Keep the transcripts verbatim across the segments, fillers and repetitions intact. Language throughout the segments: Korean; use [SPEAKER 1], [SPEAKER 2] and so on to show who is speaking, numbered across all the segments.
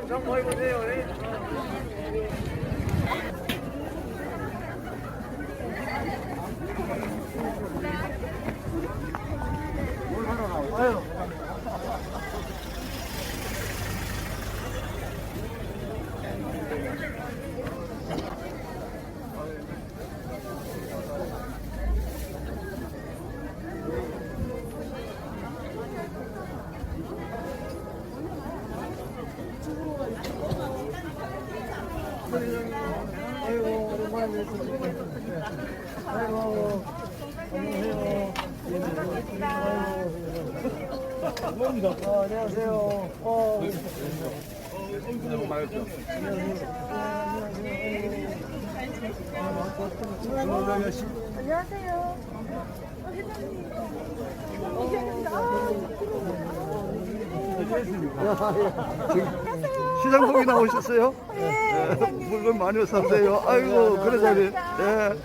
[SPEAKER 1] 좀 보여보세요. 아유. 아이고, 오랜만에 뵙습니다. 아이고, 안녕하세요. 아이고, 어, 안녕하세요. 어, 너무 많았죠?
[SPEAKER 2] 안녕하세요.
[SPEAKER 3] 시장복이 나오셨어요?
[SPEAKER 2] 네,
[SPEAKER 3] 물건 많이 사세요. 아이고, 그래 잘해. 네.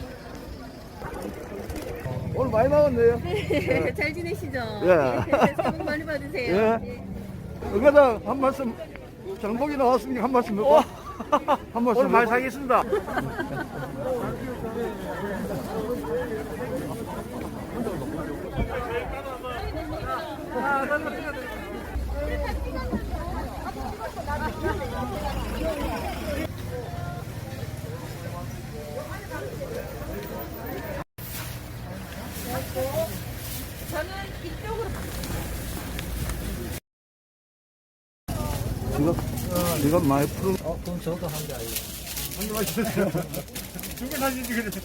[SPEAKER 3] 오늘 많이 나왔네요.
[SPEAKER 2] 네, 잘 지내시죠?
[SPEAKER 3] 예.
[SPEAKER 2] 새해 복 많이 받으세요.
[SPEAKER 3] 예. 응가장 한 말씀, 장복이 나왔으니까 한 말씀 넣고. 한 말씀
[SPEAKER 1] 오늘 많이
[SPEAKER 3] 넣고.
[SPEAKER 1] 사겠습니다.
[SPEAKER 2] 저는 이쪽으로.
[SPEAKER 3] 지금, 지금 많이 푸른.
[SPEAKER 1] 어, 그럼 저도 한 개 아니에요. 한 개만 주세요. 두개 사진지 그래.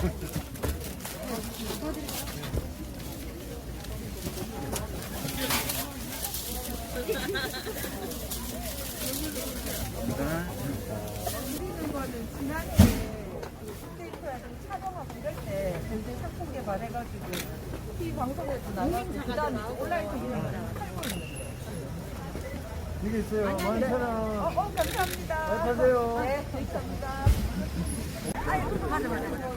[SPEAKER 2] 지난해 스테이크라든지 촬영하고 이럴 때 굉장히 상품 개발해가지고 티 방송에도 나가고 그 다음에 온라인 이런
[SPEAKER 3] 이게 있어요. 만 천
[SPEAKER 2] 어,
[SPEAKER 3] 원.
[SPEAKER 2] 어, 감사합니다.
[SPEAKER 3] 잘 파세요.
[SPEAKER 2] 네, 감사합니다. 아이고, 맞아, 맞아.